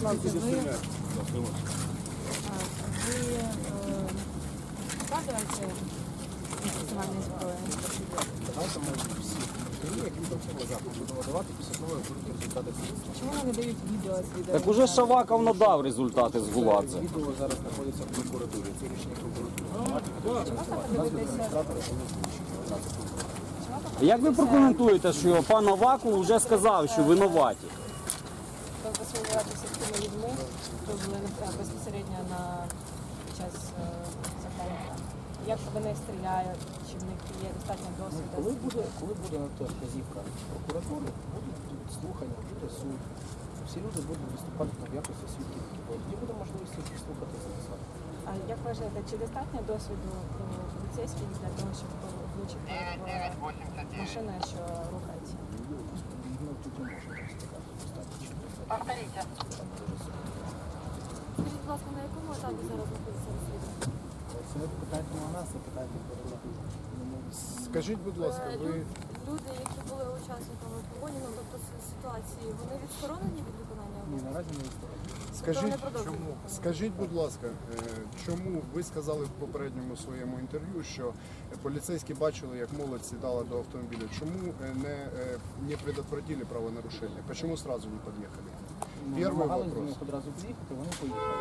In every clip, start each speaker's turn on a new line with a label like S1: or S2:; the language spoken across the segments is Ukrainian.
S1: вкладаєте інституціональні зброї?
S2: Давайте ми всі інтерв'ю, які працювали завтра, будемо давати після того, як будуть результати слідства.
S1: Чому вони дають відео з відео?
S3: Так уже Шаваков надав результати з Гуладзе.
S2: Відео зараз знаходиться в прокуратурі, це рішення прокуратури.
S1: Адміністратори
S3: Як ви прокоментуєте, що пан Аваков вже сказав, що винуваті?
S1: спілкуватися з тими людьми, хто були безпосередньо під час захоплення. Як вони стріляють, чи в них є достатньо досвіду?
S2: Коли буде на те вказівка прокуратури, будуть слухання, буде суд. Всі люди будуть виступати в якості свідків. Тоді буде можливість їх слухати записати.
S1: А як вважаєте, чи достатньо досвіду у поліцейських для того, щоб влучити в машину, що рухається?
S2: Ну, тут не можна так сказати. Достатньо.
S4: Повторите.
S1: Скажіть, будь ласка, на якому етапі зараз знаходиться розслідування?
S2: Це не питання на нас, це питання прокуратури.
S5: Скажіть, будь ласка, ви
S6: Люди, які були учасниками погоні, ну тобто ситуації, вони відсторонені від виконання
S2: Ні,
S6: обов'язків?
S2: наразі не відсторонені.
S5: скажіть, будь ласка, чому ви сказали в попередньому своєму інтерв'ю, що поліцейські бачили, як молодь сідала до автомобіля? Чому не предотвратили правонарушення? Чому сразу не під'їхали? Перший
S2: Намагалися до
S5: вопрос.
S2: них одразу під'їхати, вони поїхали.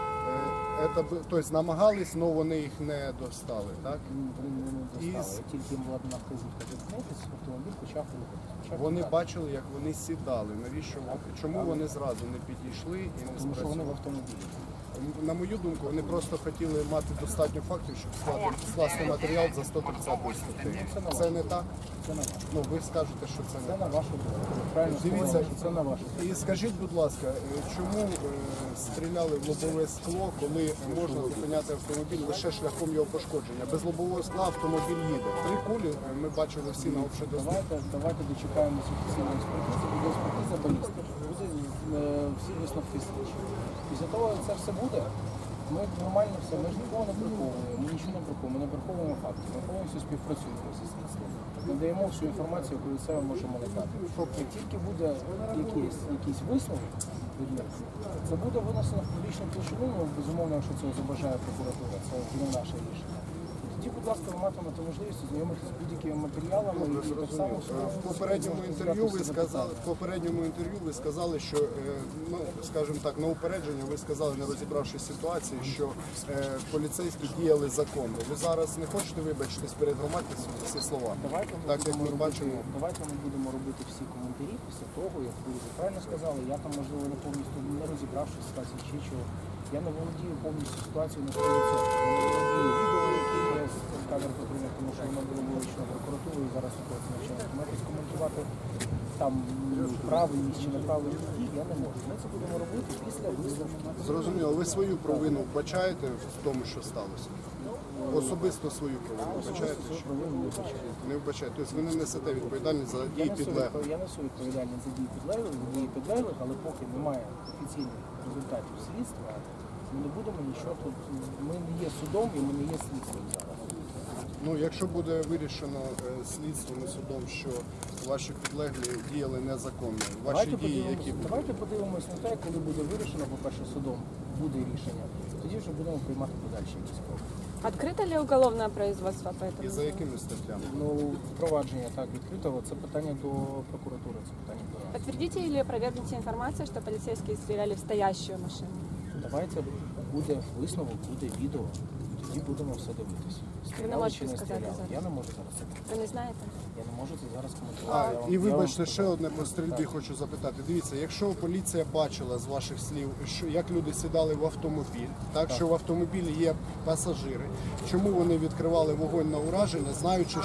S5: Тобто намагались, але вони їх не достали, так?
S2: Вони не достали. Тільки їм була дана вказівка зіткнутися, автомобіль почав рухатися.
S5: Вони бачили, як вони сідали. Навіщо? Чому вони зразу не підійшли і не
S2: Тому що вони в
S5: спрацювали?
S2: автомобілі.
S5: На мою думку, вони просто хотіли мати достатньо фактів, щоб скласти матеріал за 130 статтею. Це не так?
S2: Це на вашу.
S5: Ну, ви скажете, що це
S2: Це
S5: не
S2: на
S5: так.
S2: вашу думку. Правильно
S5: Дивіться.
S2: сказали, що це на вашу.
S5: І скажіть, будь ласка, чому стріляли в лобове скло, коли можна зупиняти автомобіль лише шляхом його пошкодження? Без лобового скла автомобіль їде. 3 кулі ми бачили всі на общедоступному.
S2: Давайте дочекаємося офіційної експертизи, буде експертиза балістики, буде всі висновки слідчі. Після того, як це все буде, ми нормально все, ми ж нікого не приховуємо, ми нічого не приховуємо, ми не приховуємо фактів, ми повністю співпрацюємо зі слідством. Ми даємо всю інформацію, яку від себе можемо надати. Як тільки буде якийсь висновок від них, це буде винесено в публічну площину, безумовно, якщо цього забажає прокуратура, це буде наше рішення. Тоді, будь ласка, ви матимете можливість ознайомитися з будь-якими матеріалами. І так само
S5: В попередньому інтерв'ю ви сказали, що, ну, скажімо так, на упередження ви сказали, не розібравшись ситуації, що поліцейські діяли законно. Ви зараз не хочете вибачитись перед громадськістю за ці слова? Так, як ми бачимо.
S2: Давайте ми будемо робити всі коментарі після того, як ви вже правильно сказали. Я там, можливо, не повністю не розібравшись в ситуації чи чого. Я не володію повністю ситуацією на 100%. Я не володію відео, які є з камер патрульних, тому що воно було вилучено прокуратурою і зараз ситуація навчається. Тому якось коментувати там правильність чи неправильність дій я не можу. Ми це будемо робити після висновку.
S5: Зрозуміло, ви свою провину вбачаєте в тому, що сталося? Особисто свою провину вбачаєте? Не вбачаєте. Тобто ви не несете відповідальність за дії підлеглих?
S2: Я несу відповідальність за дії підлеглих, але поки немає офіційних результатів слідства, ми не будемо нічого тут. Ми не є судом і ми не є слідством зараз.
S5: Ну, якщо буде вирішено слідством і судом, що ваші підлеглі діяли незаконно, ваші дії, які будуть?
S2: Давайте подивимось на те, коли буде вирішено, по-перше, судом буде рішення, тоді вже будемо приймати подальші якісь кроки.
S1: Открыто ли уголовное производство по этому?
S5: І за якими статтями?
S2: Ну, впровадження так відкритого, це питання до прокуратури, це питання до нас.
S1: Подтвердите или опровергните информацию, что полицейские стреляли в стоящую машину?
S2: Давайте буде висновок, буде відео, і тоді будемо все дивитися. Стріляли чи не стріляли. Я не можу зараз це коментувати.
S1: Ви не знаєте?
S2: Я не можу це зараз коментувати.
S5: І вибачте, ще одне по стрільбі хочу запитати. Дивіться, якщо поліція бачила з ваших слів, що як люди сідали в автомобіль, так що в автомобілі є пасажири, чому вони відкривали вогонь на ураження, знаючи,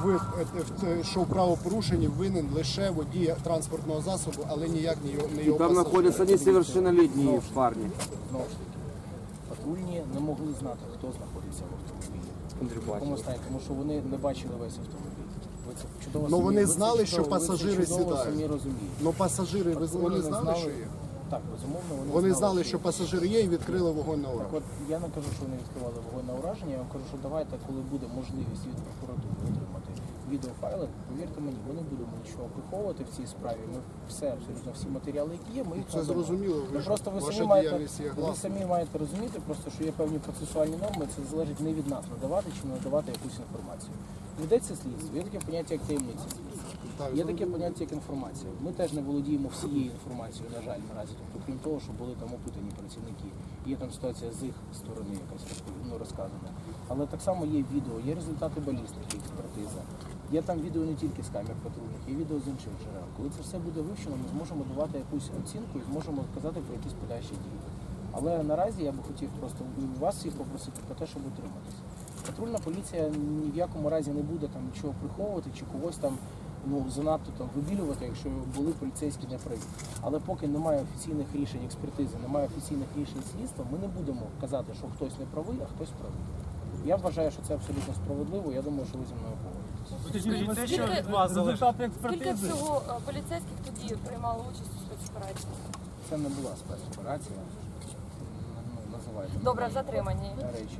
S5: що в правопорушенні винен лише водій транспортного засобу, але ніяк не його
S3: Там
S5: пасажир?
S3: знаходяться несовершеннолетні в парні.
S2: Знову ж таки, патрульні не могли знати, хто знаходиться в автомобілі. В якому стані, тому що вони не бачили весь автомобіль. Ви це чудово
S5: Ну, вони
S2: ви це
S5: знали, що
S2: чудово-
S5: пасажири
S2: ви це чудово
S5: сідають.
S2: самі розумієте.
S5: Ну пасажири,
S2: Патрульні
S5: вони
S2: не
S5: знали, що є?
S2: Так, безумовно,
S5: Вони знали, що пасажири є і відкрили вогонь на
S2: Так
S5: ураження.
S2: от я не кажу, що вони відкривали вогонь на ураження, я вам кажу, що давайте, коли буде можливість від прокуратури отримати відеофайли, повірте мені, ми не будемо нічого приховувати в цій справі. Ми все, абсолютно всі матеріали, які є, ми їх
S5: Це
S2: надамо.
S5: зрозуміло, ви ж-
S2: Просто
S5: ваша
S2: ви
S5: діяльність є гласною.
S2: самі маєте розуміти, просто що є певні процесуальні норми, це залежить не від нас, надавати чи не надавати якусь інформацію. Ведеться слідство, є таке поняття, як таємниця слідства.
S5: Так,
S2: Є таке поняття, як інформація. Ми теж не володіємо всією інформацією, на жаль, наразі. Тобто, крім того, що були там опитані працівники. Є там ситуація з їх сторони якась розказана. Але так само є відео, є результати балістики, експертиза. Є там відео не тільки з камер патрульних, є відео з інших джерел. Коли це все буде вивчено, ми зможемо давати якусь оцінку і зможемо казати про якісь подальші дії. Але наразі я би хотів просто вас всіх попросити про те, щоб утриматися. Патрульна поліція ні в якому разі не буде там нічого приховувати чи когось там занадто там вибілювати, якщо були поліцейські неправі. Але поки немає офіційних рішень експертизи, немає офіційних рішень слідства, ми не будемо казати, що хтось не правий, а хтось правий. Я вважаю, що це абсолютно справедливо. Я думаю, що ви зі мною погодитесь.
S4: Скажіть, те, що від вас залежить.
S6: Скільки всього поліцейських тоді приймало участь у спецоперації?
S2: Це не була спецоперація. Називайте
S6: Добре, затримані.
S2: речі.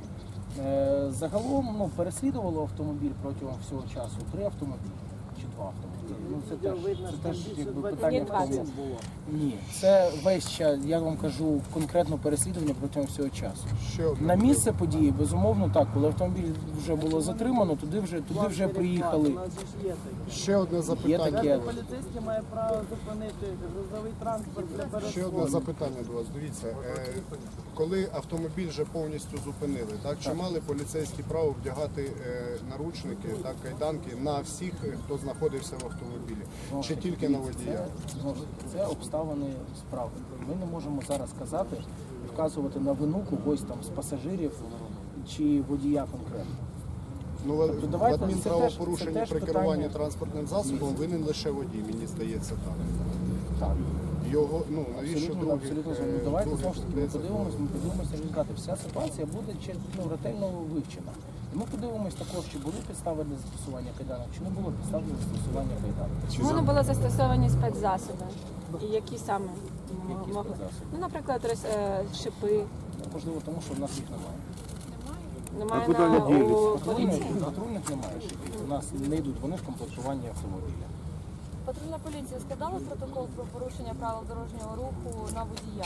S2: Загалом переслідувало автомобіль протягом всього часу 3 автомобілі чи 2 автомобілі. Це теж якби питання в тому. Ні, це весь час, я вам кажу, конкретно переслідування протягом всього часу.
S5: Ще одне.
S2: На місце події, безумовно, так, коли автомобіль вже було затримано, туди вже приїхали.
S5: Ще одне
S2: Є
S5: запитання.
S2: таке.
S3: Поліцейський має право зупинити грузовий транспорт для
S5: Ще одне запитання до вас. Дивіться, коли автомобіль вже повністю зупинили, так чи мали поліцейські право вдягати наручники, так, кайданки на всіх, хто знаходився в автомобілі, чи тільки на водія?
S2: Знову ж таки, це обставини справи. Ми не можемо зараз казати і вказувати на вину когось там з пасажирів чи водія конкретно.
S5: Ну,
S2: Тобто
S5: в
S2: давайте, це
S5: адмінправопорушенні
S2: теж
S5: при
S2: питання.
S5: керуванні транспортним засобом винен лише водій, мені здається так.
S2: Так.
S5: Його, навіщо
S2: Абсолютно, абсолютно. Давайте
S5: других
S2: знову ж таки ми
S5: людей
S2: подивимося результати. Вся ситуація буде ретельно вивчена. І ми подивимось також, чи були підстави для застосування кайданок, чи не було підстав для застосування кайданок.
S1: Чому не були застосовані спецзасоби? І які саме
S2: Які
S1: могли?
S2: спецзасоби?
S1: Ну, наприклад, шипи.
S2: Можливо, тому що в нас їх немає.
S1: Немає у поліції.
S2: Патрульних немає шипів. У нас не йдуть вони в комплектуванні автомобіля.
S6: Патрульна поліція складала протокол про порушення правил дорожнього руху на водія.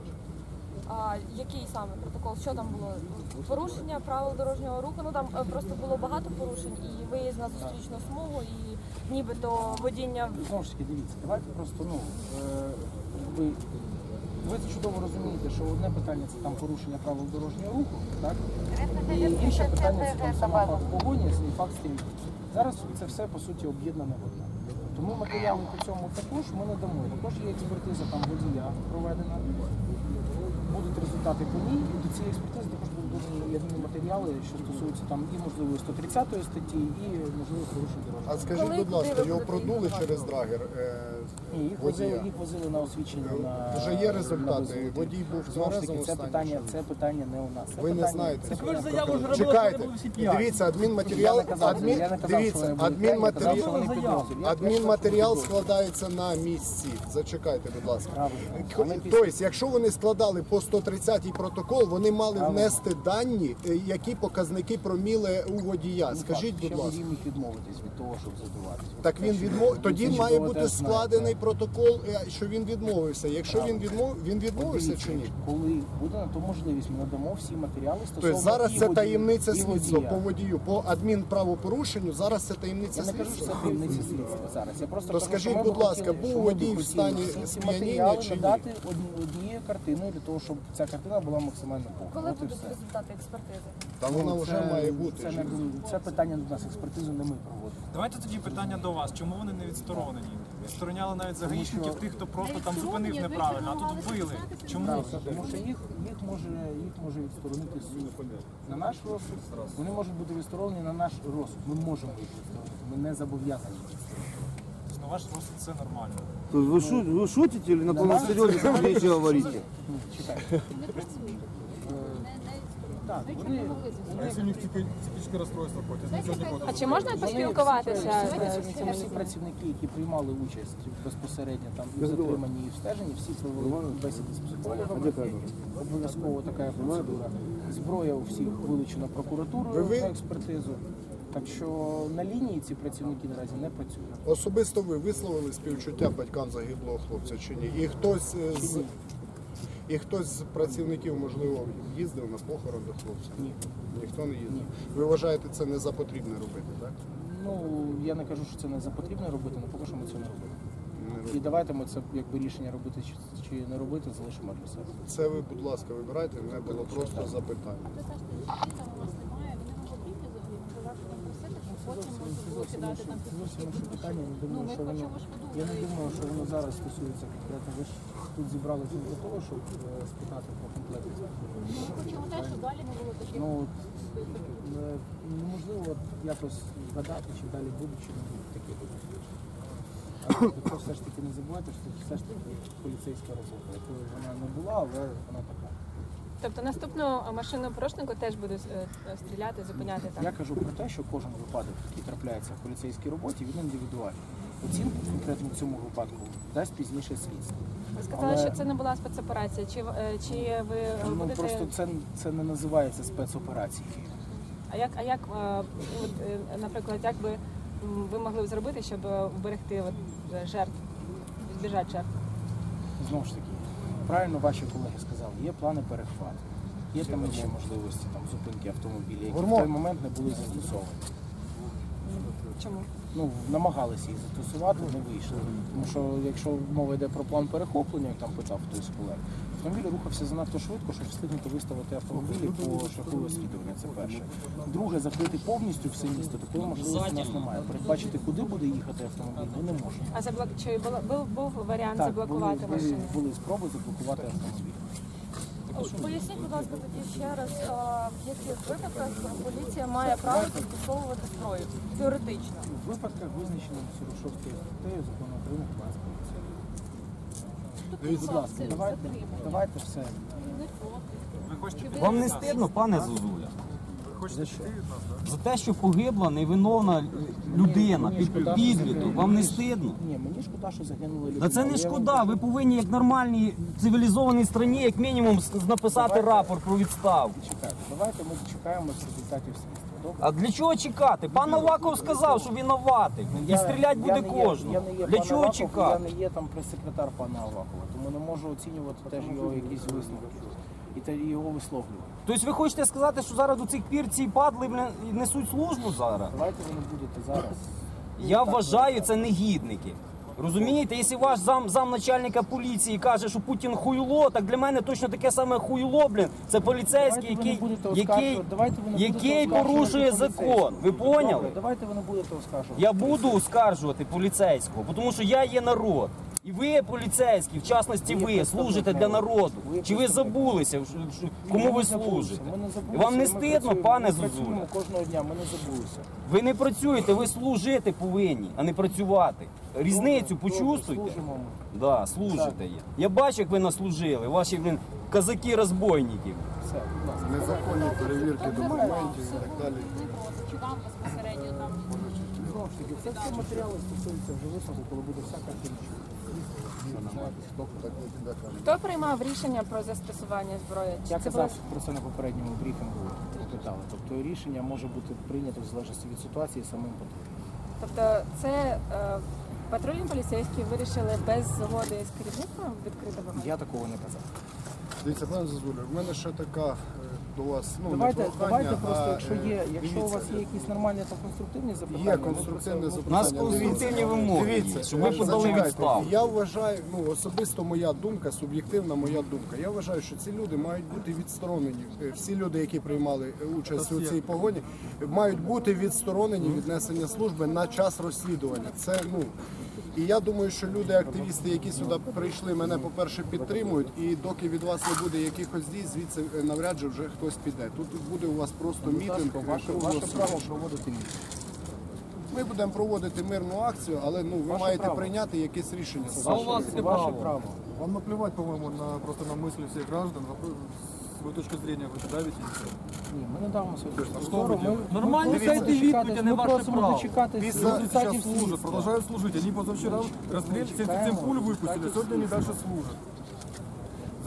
S6: А який саме протокол? Що там було? Порушення правил дорожнього руху. Ну там просто було багато порушень і виїзд на зустрічну смугу, і нібито водіння.
S2: Знову ж таки, дивіться, давайте просто, ви це чудово розумієте, що одне питання це там порушення правил дорожнього руху, так? І інше питання це там сама факт погоні і факт стрільби. Зараз це все по суті об'єднане в одне. Тому матеріали по цьому також ми надамо. Також є експертиза там водія проведена. Будуть результати по ній, і до цієї експертизи також будуть додані матеріали, що стосуються там і можливо 130 статті, і можливо порушень дорожнього.
S5: А скажіть, будь ласка, його продули через драгер?
S2: Ні, їх возили на освічення на
S5: Вже є результати.
S2: на визволі.
S5: Водій був
S2: Знову ж
S5: тверезим
S2: таки,
S5: стані.
S2: це питання не у нас. Це
S5: Ви не
S2: питання-
S5: знаєте.
S2: це
S5: Ви ж
S2: питання-
S5: Чекайте, дивіться, адмінматеріал,
S2: Я не казав, що вони підозрюють.
S5: адмінматеріал складається на місці. Зачекайте, будь ласка.
S2: Правильно.
S5: Тобто, якщо вони складали по 130-й протокол, вони мали внести дані, які показники проміли у водія. Скажіть,
S2: Ще
S5: будь ласка.
S2: водій міг відмовитись від того, щоб задуватися.
S5: Так він тоді
S2: Це
S5: має
S2: чудово
S5: бути
S2: теж знає,
S5: складений
S2: так.
S5: протокол, що він відмовився. Якщо він відмовився
S2: Дивіться,
S5: чи ні?
S2: Коли буде на то можливість, ми надамо всі матеріали стосовно
S5: Тобто зараз
S2: і
S5: це
S2: водія,
S5: таємниця
S2: і
S5: слідства
S2: водія.
S5: по водію, по адмінправопорушенню. Зараз це таємниця
S2: Я не кажу, що
S5: слідства.
S2: це таємниця слідства зараз. Я просто
S5: То
S2: кажу,
S5: скажіть,
S2: що ми
S5: будь
S2: б
S5: ласка,
S2: хотіли,
S5: був
S2: що ми б
S5: водій в
S2: хотіли
S5: стані
S2: всі ці
S5: сп'яніння
S2: матеріали
S5: чи ні?
S2: надати однією картиною для того, щоб ця картина була максимально повна.
S6: Коли
S2: От і
S6: будуть
S2: все.
S6: результати експертизи?
S5: Та вона вже
S2: Це-
S5: має бути.
S2: Це, це питання до нас, експертизу не ми проводимо.
S4: Давайте тоді питання до вас. Чому вони не відсторонені? Відстороняли навіть загаїшників тих, хто просто там зупинив неправильно, а тут вбили. Чому?
S2: Тому що їх може відсторонити суд. На наш розсуд вони можуть бути відсторонені на наш розсуд. Ми можемо їх відсторонити. Ми не зобов'язані.
S4: На ваш розсуд це нормально.
S7: Вы шутите или на полном серьезе вещи говорите?
S2: Чекайте. Так, вони
S8: Если у них психическое расстройство, хоть они ничего не будут.
S1: А чи можна поспілкуватися з цими
S2: всі працівники, які приймали участь безпосередньо там і в затриманні, і в стеженні, всі провели бесіди з психологами. Обов'язково така процедура. Зброя у всіх вилучена прокуратурою на експертизу. Так що на лінії ці працівники наразі не працюють.
S5: Особисто ви висловили співчуття батькам загиблого хлопця чи ні? І хтось з працівників, можливо, їздив на похорон до хлопця?
S2: Ні.
S5: Ніхто не їздив? Ви вважаєте, це не за потрібне робити, так?
S2: Ну, я не кажу, що це не за потрібно робити, але поки що ми цього не робимо.
S5: Не робити.
S2: І давайте ми це якби рішення робити чи не робити, залишимо для себе.
S5: Це ви, будь ласка, вибирайте, в мене було просто запитання.
S2: Зовсім інше питання. Я не думаю, що воно зараз стосується конкретно. Ви ж тут зібралися для того, щоб спитати про комплект. Ну, неможливо якось згадати, чи далі будуть, чи не будуть такі випадки. Але то все ж таки не забувайте, що це все ж таки поліцейська робота, якою вона не була, але вона така.
S1: Тобто наступну машину порушнику теж буде стріляти, зупиняти там?
S2: Я кажу про те, що кожен випадок, який трапляється в поліцейській роботі, він індивідуальний. Оцінку конкретно в цьому випадку дасть пізніше слідство.
S1: Ви сказали, що це не була спецоперація. Чи ви
S2: Ну,
S1: будете...
S2: просто це не називається спецоперацією.
S1: А як, наприклад, як би ви могли б зробити, щоб вберегти жертв, збіжати жертв?
S2: Знову ж таки, правильно ваші колеги сказали, є плани перехвату, є там інші можливості там, зупинки автомобіля, які в той момент не були застосовані.
S1: Чому?
S2: Ну, намагалися їх застосувати, не вийшло. Тому що якщо мова йде про план перехоплення, як там питав хтось з колег, автомобіль рухався занадто швидко, щоб встигнути виставити автомобілі по шляху розслідування. Це перше. Друге, закрити повністю все місто, такої можливості у нас немає. Передбачити, куди буде їхати автомобіль, ми не можемо.
S1: А чи був варіант
S2: Так,
S1: заблокувати машину?
S2: були спроби заблокувати автомобіль.
S6: Поясніть, будь ласка, тоді ще раз, в яких випадках поліція має право застосовувати зброю, теоретично?
S2: У випадках, визначених 46 статтею закону України про нас поліцію. Будь ласка, давайте все.
S4: Ви хочете
S3: Вам не стидно, пане Зозуля?
S2: За що?
S3: За те, що погибла невиновна людина під підліток. Вам не стидно?
S2: Ні, мені шкода, що загинули люди.
S3: Та це не шкода. Ви повинні, як нормальній цивілізованій країні, як мінімум, написати рапорт про відставку.
S2: Чекайте, давайте ми чекаємо результатів слідства. Добре?
S3: А для чого чекати? Пан Аваков сказав, що винуватий. І стріляти буде кожен. Для чого чекати?
S2: Я не є там прес-секретар пана Авакова, тому не можу оцінювати теж його якісь висновки і його висловлювання.
S3: Тобто ви хочете сказати, що зараз до цих пір ці падли несуть службу зараз?
S2: Давайте ви не будете зараз.
S3: Я вважаю, це негідники. Розумієте, якщо ваш замначальника поліції каже, що Путін хуйло, так для мене точно таке саме хуйло, блін. Це поліцейський, який порушує закон. Ви поняли?
S2: Давайте ви не будете оскаржувати.
S3: Я буду оскаржувати поліцейського, тому що я є народ. І ви, поліцейські, в частності ви, служите для народу. Чи ви забулися, кому ви служите? Вам не стидно, пане Зозуля?
S2: Кожного дня ми не забулися.
S3: Ви не працюєте, ви служити повинні, а не працювати. Різницю почувствуйте.
S2: Служимо ми.
S3: Да, служите є. Я бачу, як ви наслужили, ваші, блін, казаки-розбойники.
S2: Все, будь ласка.
S5: Незаконні перевірки документів і так далі.
S2: Знову ж таки, це всі матеріали стосуються вже висновку, коли буде вся картина.
S1: Хто приймав рішення про застосування зброї? Чи
S2: Я
S1: це була
S2: казав про це на попередньому брифінгу, питали. Тобто рішення може бути прийнято в залежності від ситуації самим патрулем.
S1: Тобто це патрульні поліцейські вирішили без згоди з керівництвом відкрити вогонь?
S2: Я такого не казав.
S5: Дивіться, пане Зозуля, в мене ще така до вас, ну,
S2: Давайте,
S5: не прохання,
S2: давайте просто,
S5: а,
S2: якщо у вас
S5: дивіться,
S2: є якісь нормальні та конструктивні запитання,
S5: Є
S2: ми
S5: конструктивне
S2: просто-
S3: У нас
S5: запитання.
S3: конструктивні вимоги,
S5: Дивіться,
S3: щоб ви подали
S5: зачекайте.
S3: відставку.
S5: Я вважаю, ну особисто моя думка, суб'єктивна моя думка. Я вважаю, що ці люди мають бути відсторонені. Всі люди, які приймали участь у цій погоні, мають бути відсторонені від несення служби на час розслідування. Це і я думаю, що люди, активісти, які сюди прийшли, мене, по-перше, підтримують, і доки від вас не буде якихось дій, звідси навряд чи вже хтось піде. Тут буде у вас просто мітинг.
S2: Ваше право проводити мітинг.
S5: Ми будемо проводити мирну акцію, але ви маєте прийняти якесь рішення.
S2: Ваше право.
S8: Вам наплевать, по-моему, просто на мысли всех граждан. Свою точку зрения вы давите.
S2: Ні, ми не дамо свою точку
S8: Що
S2: зору.
S8: ви
S2: Ми
S3: Нормально
S2: просимо
S3: дайте
S2: дочекатись-
S3: відповідь, а не
S2: ми
S3: ваше
S2: просимо
S3: право.
S2: дочекатись
S5: Після-
S8: Сейчас
S2: результатів
S8: служат,
S2: слідства.
S8: продолжают служить. Они позавчера расстреляли 77 пуль выпустили, сегодня они дальше служат.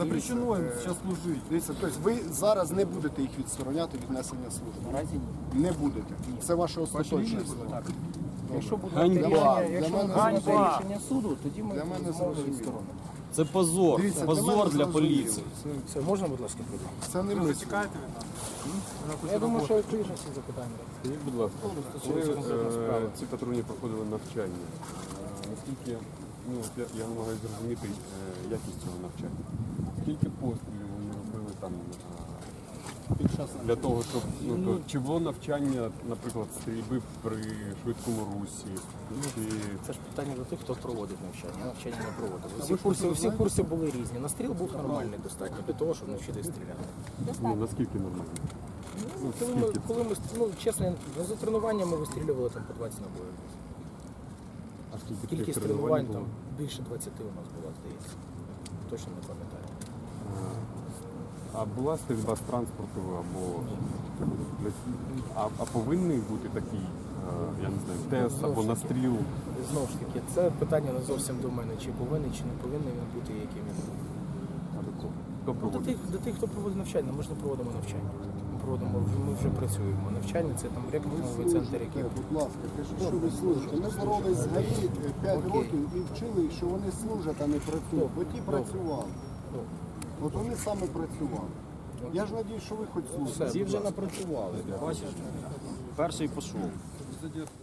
S8: Запрещено им сейчас служить.
S5: Дивіться, тобто ви зараз не будете їх відстороняти від несення служби?
S2: Наразі ні.
S5: Не будете. Це ваше остаточне слово.
S2: Так. Якщо буде
S3: Ганьба.
S2: рішення,
S5: Для
S2: якщо
S5: мене
S2: буде
S3: Ганьба.
S2: рішення суду, тоді ми
S5: Для мене
S2: безумовно
S5: зрозуміло.
S2: відсторонимо.
S3: Це позор.
S5: Дивіться, для
S3: Позор
S5: мене
S3: для
S5: зрозуміло.
S3: поліції.
S2: Все, можна, будь ласка, прийти?
S5: Це не
S4: Ви
S5: ми.
S4: затікаєте від нас?
S2: Я думаю, що відповідь на всі запитання.
S9: Скажіть, будь ласка, коли ці патрульні проходили навчання, наскільки, ну, от я намагаюся зрозуміти якість цього навчання. Скільки пострілів вони робили там для того, щоб, ну, то, чи було навчання, наприклад, стрільби при швидкому русі, чи...
S2: Це ж питання до тих, хто проводить навчання. Я навчання не проводив. Всі курси були різні. Настріл був нормальний достатньо для того, щоб навчитися стріляти.
S9: Ну, наскільки нормально?
S2: Ну, чесно, за тренуваннями вистрілювали там по 20 набоїв.
S9: А скільки
S2: Кількість
S9: таких
S2: тренувань
S9: було?
S2: там більше 20 у нас була, здається. Точно не пам'ятаю.
S9: А була стрільба з транспорту або... А повинний бути такий, я не знаю, тест або настріл?
S2: Знову ж таки, це питання не зовсім до мене, чи повинен, чи не повинен він бути, яким він був.
S9: Хто проводить?
S2: До тих, хто проводить навчання, ми ж не проводимо навчання. Ми вже працюємо. Навчання це там рекрутинговий центр, який...
S5: Будь ласка, кажіть, що ви служите. Ми боролись з ГАІ 5 років і вчили, що вони служать, а не працюють. Бо ті працювали. От вони саме працювали. Я ж надію, що ви хоч служите.
S3: Ці вже напрацювали. Бачиш? Перший пішов.